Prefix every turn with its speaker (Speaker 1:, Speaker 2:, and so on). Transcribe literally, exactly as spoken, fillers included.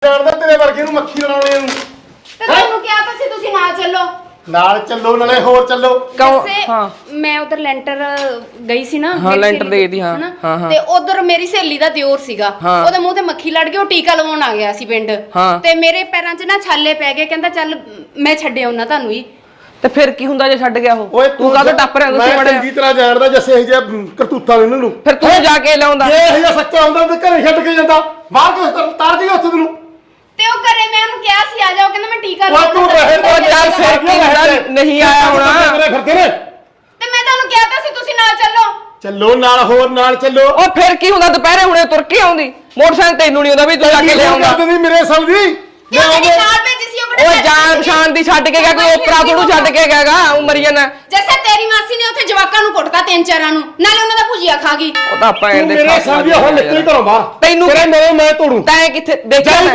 Speaker 1: ਜਾਣਦਾ ਤੇਰੇ ਵਰਗੇ ਨੂੰ ਮੱਖੀ ਲੜਾਉਣੇ ਨੂੰ
Speaker 2: ਤੇ ਤੁਹਾਨੂੰ ਕਿਹਾ ਤਾਂ ਸੀ ਤੁਸੀਂ ਨਾ ਚੱਲੋ
Speaker 1: ਨਾਲ ਚੱਲੋ ਨਾਲੇ ਹੋਰ ਚੱਲੋ
Speaker 2: ਹਾਂ ਮੈਂ ਉਧਰ ਲੈਂਟਰ ਗਈ ਸੀ ਨਾ
Speaker 3: ਹਾਂ ਲੈਂਟਰ ਦੇ ਦੀ ਹਾਂ ਹਾਂ
Speaker 2: ਤੇ ਉਧਰ ਮੇਰੀ ਸਹੇਲੀ ਦਾ ਦਿਓਰ ਸੀਗਾ ਉਹਦੇ ਮੂੰਹ ਤੇ ਮੱਖੀ ਲੜ ਗਈ ਉਹ ਟੀਕਾ ਲਵਾਉਣ ਆ ਗਿਆ ਸੀ ਪਿੰਡ ਤੇ ਮੇਰੇ ਪੈਰਾਂ 'ਚ ਨਾ ਛਾਲੇ ਪੈ ਗਏ ਕਹਿੰਦਾ ਚੱਲ ਮੈਂ ਛੱਡਿਆ ਉਹਨਾਂ ਤੁਹਾਨੂੰ ਹੀ
Speaker 3: ਤੇ ਫਿਰ ਕੀ ਹੁੰਦਾ ਜੇ ਛੱਡ ਗਿਆ ਉਹ ਤੂੰ ਕਾਹਦੇ ਟੱਪ ਰਿਹਾ ਤੁਸੀਂ
Speaker 1: ਮੈਂ ਚੰਗੀ ਤਰ੍ਹਾਂ ਜਾਣਦਾ ਜੱਸੇ ਇਹ ਜੇ ਕਰਤੂਤਾਂ ਇਹਨਾਂ ਨੂੰ
Speaker 3: ਫਿਰ ਤੂੰ ਜਾ ਕੇ ਲਾਉਂਦਾ
Speaker 1: ਜੇ ਇਹ ਜਿਹਾ ਸੱਚਾ ਹੁੰਦਾ ਤੇ ਘਰੇ ਛੱਡ ਕੇ ਜਾਂਦਾ ਬਾਹਰ ਕਿਉਂ ਤਾਰ ਜੀ ਉੱਥੇ ਤੈਨੂੰ
Speaker 2: ਤੇ ਉਹ ਘਰੇ ਮੈਂ ਉਹਨੂੰ ਕਿਹਾ ਸੀ ਆ ਜਾਓ ਕਹਿੰਦਾ ਮੈਂ ਟੀਕਾ
Speaker 1: ਉਹ ਤੂੰ ਰਹਿ
Speaker 3: ਉਹ ਚੱਲ ਫਿਰ ਕੀ ਹੁੰਦਾ ਨਹੀਂ ਆਇਆ ਹੋਣਾ
Speaker 1: ਫਿਰਦੇ ਨੇ
Speaker 2: ਤੇ ਮੈਂ ਤੁਹਾਨੂੰ ਕਿਹਾ ਤਾਂ ਸੀ ਤੁਸੀਂ ਨਾਲ ਚੱਲੋ
Speaker 1: ਚੱਲੋ ਨਾਲ ਹੋਰ ਨਾਲ ਚੱਲੋ
Speaker 3: ਉਹ ਫਿਰ ਕੀ ਹੁੰਦਾ ਦੁਪਹਿਰੇ ਹੁਣੇ ਤੁਰ ਕੇ ਆਉਂਦੀ ਮੋਟਰਸਾਈਕਲ ਤੈਨੂੰ ਨਹੀਂ ਆਉਂਦਾ ਵੀ ਤੂੰ ਜਾ ਕੇ ਲਿਆਉਂਦਾ
Speaker 1: ਨਹੀਂ ਮੇਰੇ ਸਮਝੀ
Speaker 2: ਕਿਉਂ ਮੇਰੇ ਨਾਲ ਭੇਜੀ ਸੀ ਉਹ
Speaker 3: ਉਹ ਜਾਨ ਪਛਾਣ ਦੀ ਛੱਡ ਕੇ ਗਿਆ ਕੋਈ ਓਪਰਾ ਥੋੜੂ ਛੱਡ ਕੇ ਗਿਆਗਾ ਉਹ ਮਰੀ ਜਾਣਾ
Speaker 2: ਜੈਸੇ ਤੇਰੀ ਮਾਸੀ ਨੇ ਉੱਥੇ ਜਵਾਕਾਂ ਨੂੰ ਕੁੱਟਤਾ ਤਿੰਨ ਚਾਰਾਂ ਨੂੰ ਨਾਲੇ ਉਹਨਾਂ ਦਾ ਭੁਜੀਆ ਖਾ ਗਈ
Speaker 3: ਉਹ ਤਾਂ ਆਪਾਂ ਇਹਦੇ
Speaker 1: ਮੇਰੇ ਸਮਝੀ ਹੁਣ ਨਿਕਲ ਘਰੋਂ ਬਾਹਰ
Speaker 3: ਤੈਨੂੰ
Speaker 1: ਤੇਰੇ ਮੇਰੇ ਮੈਂ ਤੋੜੂ
Speaker 3: ਤੈਂ ਕਿੱਥੇ ਦੇਖਿਆ